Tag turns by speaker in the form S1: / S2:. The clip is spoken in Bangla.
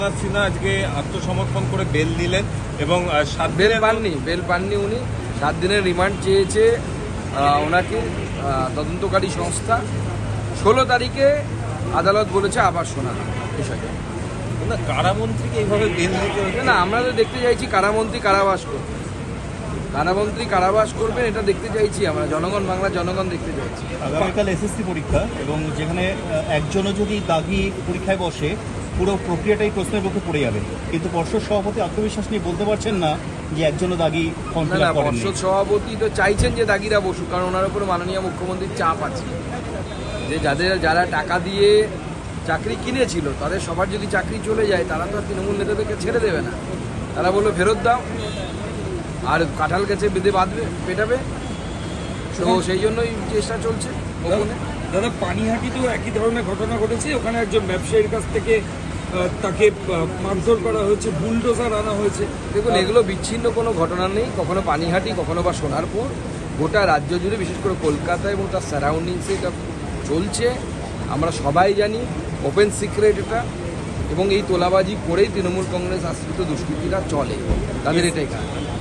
S1: সিনহা আজকে আত্মসমর্পণ করে বেল দিলেন এবং
S2: বেল পাননি উনি 7 দিনের রিমান্ড চেয়েছে ওনাকে তদন্তকারী সংস্থা। 16 তারিখে আদালত বলেছে আবার শোনা বিষয়টা।
S1: কারামন্ত্রীকে এইভাবে বেল দিতে হচ্ছে
S2: না, আমরা তো দেখতে চাইছি কারামন্ত্রী কারাবাস করবে, কারামন্ত্রী কারাবাস করবেন, এটা দেখতে চাইছি আমরা। জনগণ, বাংলার জনগণ দেখতে চাইছি।
S3: আগামীকাল এসএসসি পরীক্ষা এবং যেখানে একজনও যদি দাগি পরীক্ষায় বসে পুরো প্রক্রিয়াটাই প্রশ্নের মুখে পড়ে যাবে, কিন্তু পর্ষদ সভাপতি আত্মবিশ্বাস নিয়ে বলতে পারছেন না যে একজনও দাগি ফর্ম ফিল আপ করেননি।
S2: পর্ষদ সভাপতি তো চাইছেন যে দাগিরা বসুক, কারণ ওনার উপরে মাননীয় মুখ্যমন্ত্রীর চাপ আছে যে যারা টাকা দিয়ে চাকরি কিনেছিল তাদের সবার যদি চাকরি চলে যায়, তারা তো তৃণমূল নেতাদেরকে ছেড়ে দেবে না। তারা বললো ফেরত দাও, আর কাঁঠাল গাছে বেঁধে বাঁধবে, পেটাবে। তো সেই জন্যই চেষ্টা চলছে।
S4: দাদা, পানিহাটিতেও একই ধরনের ঘটনা ঘটেছে। ওখানে একজন ব্যবসায়ীর কাছ থেকে তাকে মারধর করা হয়েছে, বুলডোজার আনা হয়েছে।
S2: দেখুন, এগুলো বিচ্ছিন্ন কোনো ঘটনা নেই। কখনো পানিহাটি, কখনো বা সোনারপুর, গোটা রাজ্য জুড়ে, বিশেষ করে কলকাতা এবং তার সারাউন্ডিংসে এটা চলছে। আমরা সবাই জানি, ওপেন সিক্রেট এটা। এবং এই তোলাবাজি করেই তৃণমূল কংগ্রেস আশ্রিত দুষ্কৃতীরা চলে, তাদের এটাই কাজ।